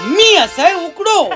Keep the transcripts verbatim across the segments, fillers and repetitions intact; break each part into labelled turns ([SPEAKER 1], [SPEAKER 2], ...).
[SPEAKER 1] मी असं उकडो.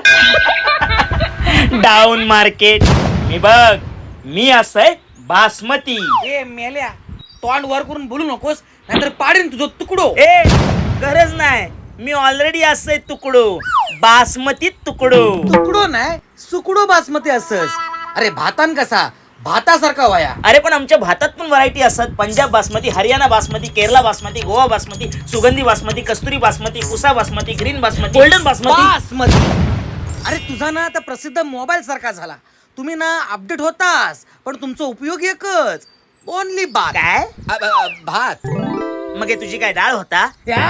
[SPEAKER 2] Down market. मी बघ, मी असं बासमती.
[SPEAKER 1] ए मेल्या, तोंड वर करून बोलू नकोस, नाहीतर पाडीन तुझं तुकडो.
[SPEAKER 2] ए गरज नाही, मी ऑलरेडी असं तुकडो, बासमती तुकडो.
[SPEAKER 1] तुकडो नाही, सुकडो बासमती असस. अरे भातान कसा भातासारखा वाया.
[SPEAKER 2] अरे पण आमच्या भातात पण व्हरायटी असतात. पंजाब बासमती, हरियाणा बासमती, केरला बासमती, गोवा बासमती, सुगंधी बासमती, कस्तुरी बासमती, कुसा बासमती, ग्रीन बासमती, गोल्डन बासमती.
[SPEAKER 1] बासमती. अरे तुझा ना आता प्रसिद्ध मोबाईल सारखा झाला. तुम्ही ना अपडेट होतास, पण तुमचा उपयोग एकच, ओनली भात.
[SPEAKER 2] काय?
[SPEAKER 1] अ- अ- भात.
[SPEAKER 2] मग हे तुझी काय डाळ होता?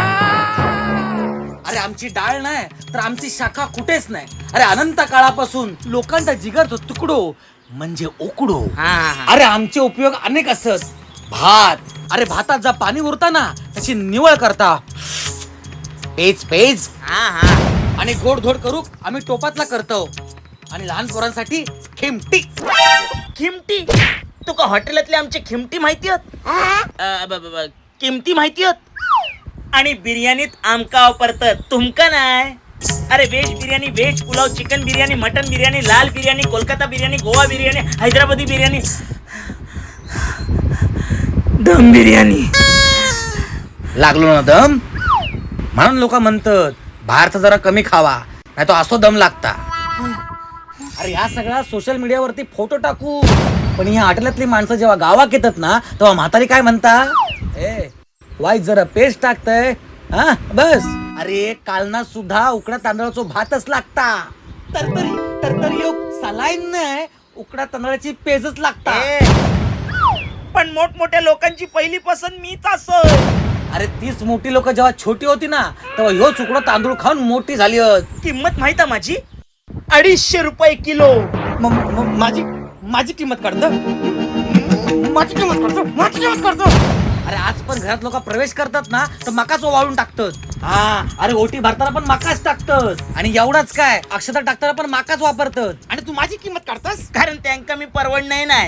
[SPEAKER 1] अरे आमची डाळ नाही तर आमची शाखा कुठेच नाही. अरे अनंत काळापासून लोकांचा जिगरचा तुकडो म्हणजे उकडो.
[SPEAKER 2] हा, हा, हा.
[SPEAKER 1] अरे आमचे उपयोग अनेक असत. भात. अरे भातात जा पाणी उरता ना त्याची निवळ करता, पेज पेज
[SPEAKER 2] हा, हा.
[SPEAKER 1] आणि गोडधोड करू आम्ही टोपातला करतो. आणि लहान पोरांसाठी खिमटी.
[SPEAKER 2] खिमटी? तुका हॉटेलातले आमचे खिमटी माहिती आहेत? अ, ब- ब- ब- किमती माहिती आहेत? आणि बिर्याणीत आमका वापरतात, तुमका नाही. अरे veg biryani, veg pulao, chicken biryani, mutton biryani, लाल बिर्याणी, कोलकाता बिर्याणी, गोवा बिर्याणी, हैदराबादी बिर्याणी, दम बिर्याणी.
[SPEAKER 1] लागलो ना दम म्हणून लोक म्हणतात बाहेरचा जरा कमी खावा, नाही तो असो दम लागता. अरे ह्या सगळ्या सोशल मीडियावरती फोटो टाकू, पण ह्या हॉटेलातली माणसं जेव्हा गावात येतात ना तेव्हा म्हातारी काय म्हणता, ए वाईट जरा पेस्ट टाकतय हा बस. अरे कालना सुद्धा उकडा तांदळाचा भातच लागता. तरतरी तरतरी योग सलाईन नाही, उकडा तांदळाची पेजच लागता.
[SPEAKER 2] ए, पण मोठमोठ्या लोकांची पहिली पसंत मीच असं.
[SPEAKER 1] अरे तीच मोठी लोक जेव्हा छोटी होती ना तेव्हा ह्यो उकडा तांदूळ खाऊन मोठी झाली होत.
[SPEAKER 2] किंमत माहित आहे माझी? अडीचशे रुपये किलो.
[SPEAKER 1] म- म- माझी माझी किंमत काढतो, माझी किंमत काढतो, माझी किंमत काढतो. अरे आज पण घरात लोक प्रवेश करतात ना तर मकाच ओवाळून टाकतात. हा अरे ओटी भरताना पण मकाच टाकतात. आणि एवढाच काय, अक्षता टाकताना पण मकाच वापरतात. आणि तू माझी किंमत काढतास
[SPEAKER 2] कारण त्यांका मी परवडणार नाही.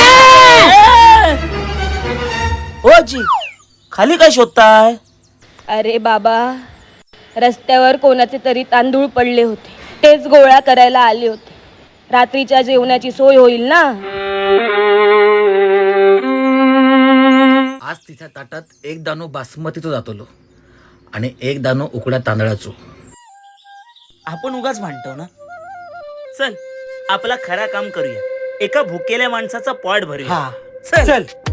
[SPEAKER 2] ओ जी, खाली काय शोधताय?
[SPEAKER 3] अरे बाबा, रस्त्यावर कोणाचे तरी तांदूळ पडले होते, तेच गोळा करायला आले होते. रात्रीच्या जेवणाची सोय होईल ना.
[SPEAKER 1] आज तिच्या ताटात एक दाणो बासमतीचो जातलो आणि एक दाणो उकड्या तांदळाचो.
[SPEAKER 2] आपण उगाच भांडतो ना. चल आपला खरा काम करूया, एका भुकेल्या माणसाचा पोट भरूया.
[SPEAKER 1] हा चल.